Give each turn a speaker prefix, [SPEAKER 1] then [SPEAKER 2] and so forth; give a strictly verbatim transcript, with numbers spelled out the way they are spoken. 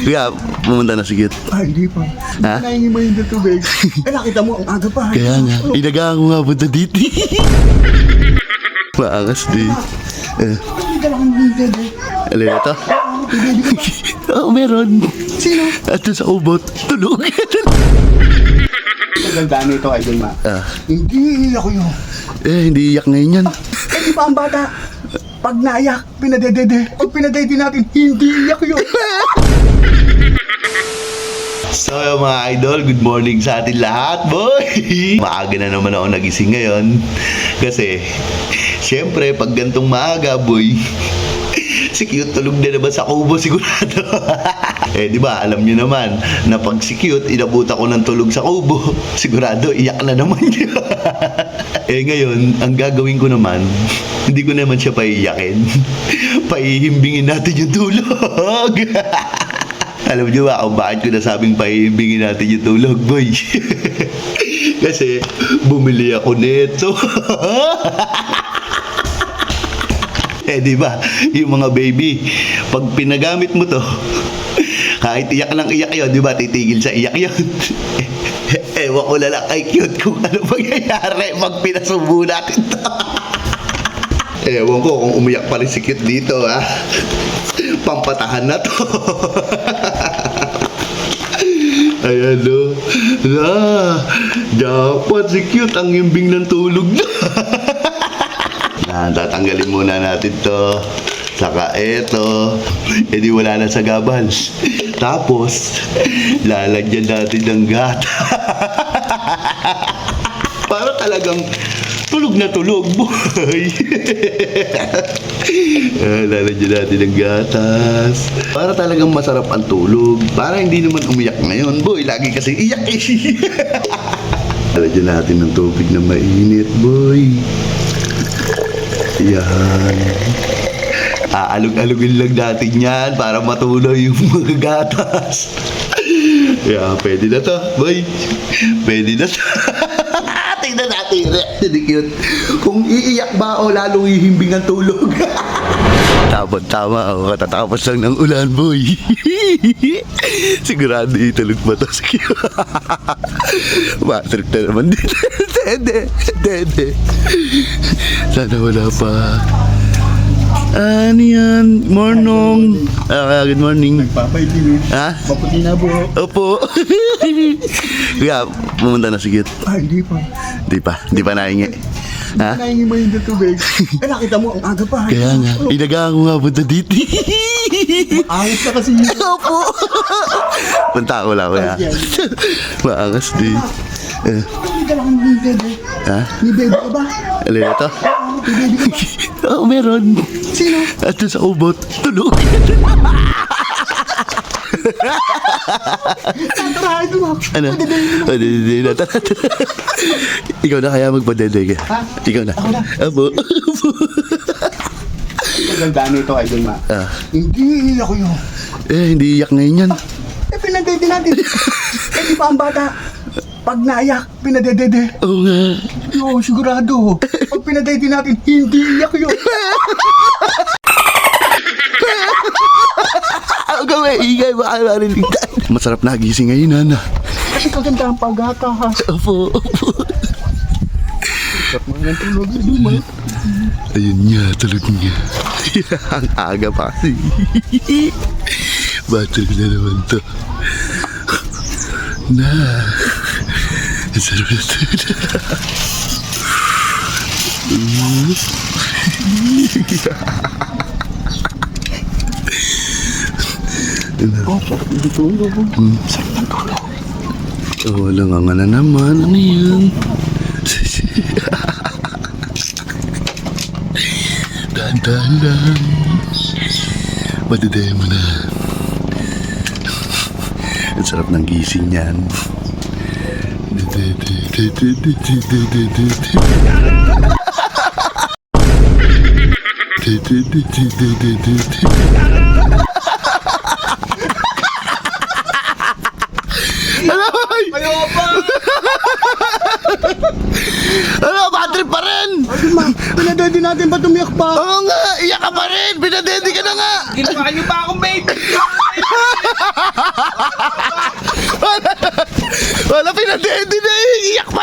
[SPEAKER 1] Kaya, pumunta na si Cute.
[SPEAKER 2] Ay, hindi pa.
[SPEAKER 1] Ha?
[SPEAKER 2] Nahingi mo yung tubig. Eh, nakita mo, ang aga pa.
[SPEAKER 1] Kaya nga, inagaan ko nga punta dito. Maangas di. Eh,
[SPEAKER 2] Hindi ka lang hindi eh.
[SPEAKER 1] alin na to?
[SPEAKER 2] Pwede ka ba?
[SPEAKER 1] Oo, meron.
[SPEAKER 2] Sino?
[SPEAKER 1] At doon sa ubot, tulog.
[SPEAKER 2] Maganda nito, Idol Ma.
[SPEAKER 1] ah,
[SPEAKER 2] Hindi ako yun.
[SPEAKER 1] eh, hindi iyak ngayon yan.
[SPEAKER 2] Eh, di ba ang bata? Pag naiyak, pinadedede. Pag pinadede natin, hindi iyak yun.
[SPEAKER 1] So mga idol, good morning sa atin lahat, boy! Maaga na naman ako nagising ngayon. Kasi, syempre, pag gantong maaga, boy, si Cute tulog na naman sa kubo sigurado. Eh, di ba, alam nyo naman, na pag si Cute, inabuta ko ng tulog sa kubo, sigurado, iyak na naman yun. Eh, ngayon, ang gagawin ko naman, hindi ko naman siya paiyakin. Paihimbingin natin yung tulog. Alam niyo ba kung bakit ko nasabing paihimbingin natin yung tulog, boy? Kasi, bumili ako nito. Eh, di ba? Yung mga baby, pag pinagamit mo to, kahit iyak lang iyak yun, di ba? Titigil sa iyak yun. Ewan ko na lang kay Cute kung ano mangyayari pag pinasubo natin to. Ewan ko kung umiyak pa rin si Cute dito, ha? Pampatahan na to. Ayan, no? Na, dapat si Cute ang himbing ng tulog na. Na, tatanggalin muna natin to. Saka eto. E di wala na sa gabal. Tapos, lalagyan natin ng gata. Para talagang tulog na tulog, boy. Ah, lalagyan natin ng gatas. Para talagang masarap ang tulog. Para hindi naman umiyak ngayon, boy. Lagi kasi iyak eh. Lalagyan natin ng tubig na mainit, boy. Yan. Aalog-alogin lang natin yan para matuloy yung mga gatas. Yeah, pwede na to, boy. Pwede na to. Tingnan natin yung reaction ni Cute. Kung iiyak ba o lalong ihimbing ang tulog. Tama-tama ako. Katatapos lang ng ulan, boy. Sigurado itulog pa to si Cute. Matrip na naman dito. Dede, dede. Sana wala pa. Ano yan? Morning. Ah, good morning.
[SPEAKER 2] Nagpapaitin eh.
[SPEAKER 1] Ha?
[SPEAKER 2] Maputi na po.
[SPEAKER 1] Opo. Kaya, pumunta na si Cute.
[SPEAKER 2] Ay, hindi pa.
[SPEAKER 1] Di pa, di pa nahingi. Ha?
[SPEAKER 2] Nahingi mo yung tubig. Eh, nakita mo, ang aga pa.
[SPEAKER 1] Kaya nga, inagaan ko nga punta dito.
[SPEAKER 2] Ayos na kasi yun.
[SPEAKER 1] Opo. Punta ko lang, kuya. Maangas di. Eh,
[SPEAKER 2] Hindi ka lang hindi eh.
[SPEAKER 1] ha?
[SPEAKER 2] Ni baby ka ba?
[SPEAKER 1] Alin na to?
[SPEAKER 2] Ni baby ka ba?
[SPEAKER 1] Oo, meron.
[SPEAKER 2] Sino?
[SPEAKER 1] At doon sa ubot, tulog.
[SPEAKER 2] Tatarahin mo.
[SPEAKER 1] Ano? O, di, di, di, na. Tara, tara. Ikaw na kaya magpadede ka?
[SPEAKER 2] Ha?
[SPEAKER 1] Ikaw na.
[SPEAKER 2] Ako na.
[SPEAKER 1] Abo. Abo.
[SPEAKER 2] Maganda nito, Idol Ma.
[SPEAKER 1] Ah,
[SPEAKER 2] Hindi ako yun.
[SPEAKER 1] eh, hindi iyak ngayon yan.
[SPEAKER 2] Eh, pinadede natin. Eh, di ba ang bata? Pag naiyak, pinadedede.
[SPEAKER 1] Oo nga.
[SPEAKER 2] Yo, sigurado. Pag pinadede natin, hindi iyak yun.
[SPEAKER 1] Ang gawin, ingay, baka marinig tayo. Masarap na gising ngayon, Nana.
[SPEAKER 2] Kasi kaganda ang paghakas.
[SPEAKER 1] Opo, opo.
[SPEAKER 2] Sarap mga ng tulog, Idol Ma.
[SPEAKER 1] Ayun niya, tulog niya. Ang aga pa kasi. Battery na naman to. Na. Ang sarap na tulog.
[SPEAKER 2] Oh, sarap ng tulog.
[SPEAKER 1] Hmm.
[SPEAKER 2] Sarap ng tulog.
[SPEAKER 1] Oh, wala nga nga na naman. Ano yan? Dahan-dahan lang. Madiday mo na. Ang sarap ng gising yan.
[SPEAKER 2] Ayaw pa!
[SPEAKER 1] Ano, battery pa rin!
[SPEAKER 2] Idol Ma, pinadede natin ba tumiyak pa?
[SPEAKER 1] Oo nga, iyak ka pa rin! Pinadede ka na nga!
[SPEAKER 3] Ginawa niyo pa akong baby!
[SPEAKER 1] Wala pinadede na eh. Iyak pa